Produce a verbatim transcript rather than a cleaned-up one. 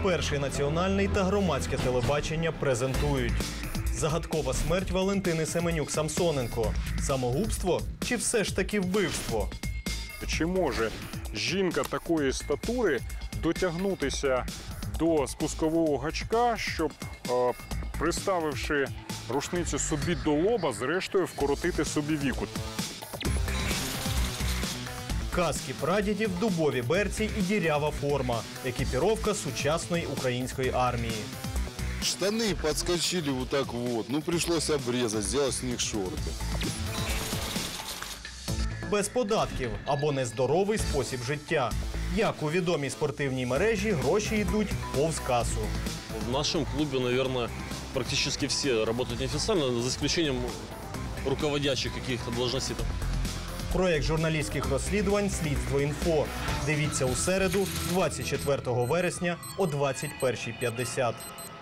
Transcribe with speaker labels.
Speaker 1: Перший національний та громадське телебачення презентують. Загадкова смерть Валентини Семенюк-Самсоненко. Самогубство чи все ж таки вбивство?
Speaker 2: Чи може жінка такої статури дотягнутися до спускового гачка, щоб, е, приставивши рушницю собі до лоба, зрештою вкоротити собі віку?
Speaker 1: Каски прадідів, дубові берці і дірява форма. Екіпіровка сучасної української армії.
Speaker 3: Штаны подскочили вот так вот. Ну, пришлось обрезать, сделать с них шорты.
Speaker 1: Без податків або нездоровий спосіб життя. Як у відомій спортивній мережі гроші йдуть повз касу.
Speaker 4: В нашем клубе, наверное, практически все работают неофициально, за исключением руководящих каких-то должностей.
Speaker 1: Проєкт журналістських розслідувань «Слідство інфо». Дивіться у середу, двадцять четвертого вересня о двадцять першій п'ятдесят.